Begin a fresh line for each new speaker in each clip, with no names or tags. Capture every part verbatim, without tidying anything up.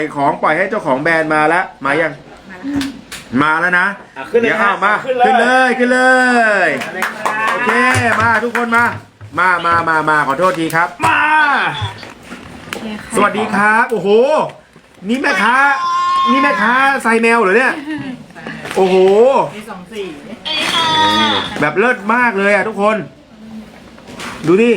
ของปล่อยให้เจ้าของแบรนด์มาแล้วมายังมาแล้วนะ
อ่ะขึ้นเลย
เดี๋ยว
ครั
เอา
บ
มา
ขึ้นเลย
ขึ้นเลยขึ้นเลยโอเคมาทุกคนมามามามามาขอโทษทีครับ มา สวัสดีครับโอ้โหนี่แม่ค้านี่แม่ค้าไซแมวเหรอเนี่ยโอ้โหแบบเลิศมากเลยอ่ะทุกคน ดูดิ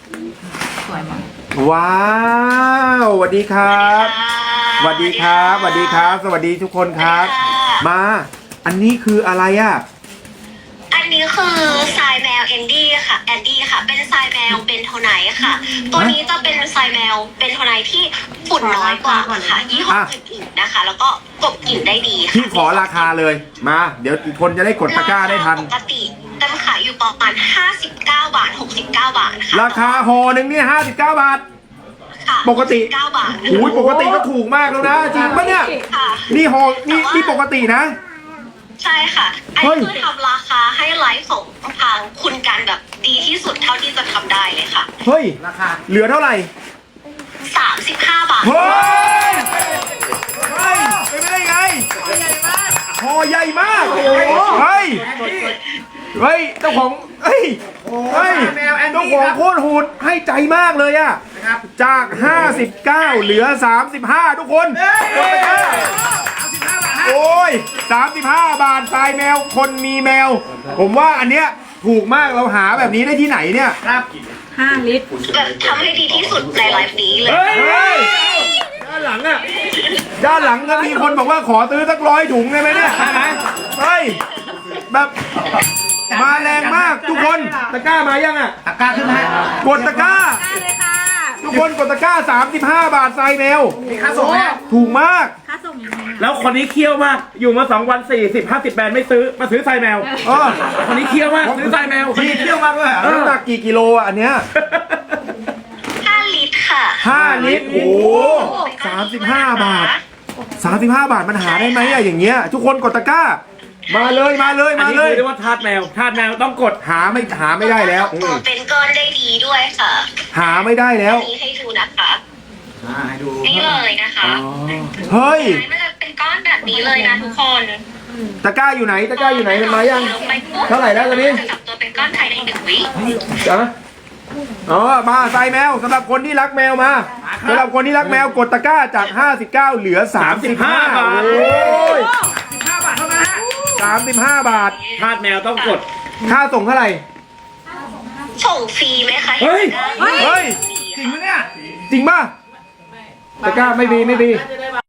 ว้าวสวัสดีครับสวัสดีครับสวัสดีครับ สวัสดีทุกคนครับ มาอันนี้คืออะไรอ่ะ
อันนี้คือทรายแมวแอนดี้ค่ะแอนดี้ค่ะ เป็นทรายแมวเป็นโทไนท์ค่ะ ตัวนี้จะเป็นทรายแมวเป็นโทไนท์ที่ฝุ่นน้อยกว่าค่ะยี่ห้ออื่นๆนะคะ แล้วก็กลบกลิ่นได้ดีค่ะ
พี่ขอราคาเลยมาเดี๋ยวอีกคนจะได้กดตะกร้าได้ทัน
ปกติกันขายอยู่ประมาณห้าสิบเก้าบาทหกสิบเก้าบาทค่ะ
ราคาห่อหนึ่งเนี่ยห้าสิบเก้าบาท
ค่ะ
ปกติ
เก้าบาท
โอ้ยปกติก็ถูกมากแล้วนะจริงปะเนี่ย
ค่ะ
นี่ห่อนี่นี่ปกตินะ
ใช่ค่ะอัน
เฮ้ย
นี้คือทำราคาให้ไลฟ์ของทางคุณกันแบบดีที่สุดเท่าที่จะทำได้เลยค่ะ
เฮ้ยราคาเหลือเท่าไหร่
สามสิบห้าบาท
เฮ้ยเฮ้ยเป็นไปได้ไงห่อใหญ่มากโอ้โหเฮ้ยเฮ้ยเจ้าของเฮ้ยเฮ้ยเจ้าของโคตรโหดให้ใจมากเลยอะจากห้าสิบเก้าเหลือสามสิบห้าทุกคนกดตะกร้าโอ้ยสามสิบห้าบาททรายแมวคนมีแมว ผมว่าอันเนี้ยถูกมากเราหาแบบนี้ได้ที่ไหนเนี่ย
ห้าลิตร
แบบทำให้ดีที่สุดในไลฟ์นี้เลย
เฮ้ยด้านหลังอ่ะด้านหลังก็มีคนบอกว่าขอซื้อสักร้อยถุงได้ไหมเนี่ยใช่ไหมเฮ้ยแบบมาแรงมากทุกคนตะกร้ามายังอ่ะ
ตะกร้าขึ้นไหม
กดตะกร้า
ได้เลยค่ะ
ทุกคนกดตะกร้าสามสิบห้าบาททรายแมว
มีค่าส่งไหม
ถูกมาก
ค่าส่งยังไงอะ
แล้วคนนี้เคี่ยวมาก อยู่มาสองวันสี่สิบห้าสิบแบรนด์ไม่ซื้อ มาซื้อไซแมว
เออ
คนนี้เคี่ยวมากซื้อไซแมว
พี่เที่ยวมากเลยน้ำหนักกี่กิโลอ่ะอันเนี้ย
ห้าลิตรค่ะ
ห้าลิตรโอ้สามสิบห้าบาทสามสิบห้าบาทมันหาได้ไหมอะอย่างเงี้ยทุกคนกดตะกร้า มาเลยมาเลย
อัน
มา
นี้
เลย
คือเรียกว่าทาสแมว ทาสแมวต้องกด
หาไม่หาไม่ได้แล้วอื
ตัว
ม
เป็นก้อนได้ดีด้วยค่ะ
หาไม่ได้แล้ว
นี่ให้ดูนะคะ
ให้ดู
นี่เลยนะคะ
เฮ้ย
มันจะเป็นก้อนแบบนี้เลยนะทุกคน
ตะกร้าอยู่ไหนตะกร้าอยู่ไหนมันมายัง
ลงไปปุ๊บ
เท่าไหร่แล้วตอนนี้
จะจับตัวเป็นก้อนภายในหนึ่งวิ
จ๊ะอ๋อมาใส่แมวสำหรับคนที่รักแมวมาสำหรับคนที่รักแมวกดตะกร้าจากห้าสิบเก้าเหลือสามสิบห้า
บาท
โอ้ย
สิบห้าบาทเท่านั้นฮะ
สามสิบห้าบาท
ทาสแมวต้องกด
ค่าส่งเท่าไหร่
ส่งฟรีไหมคะ
เฮ้ย
ห็นได้
เฮ้ย
จริงไหมเนี่ย
จริงป่ะตะกร้าไม่ดีไม่ดี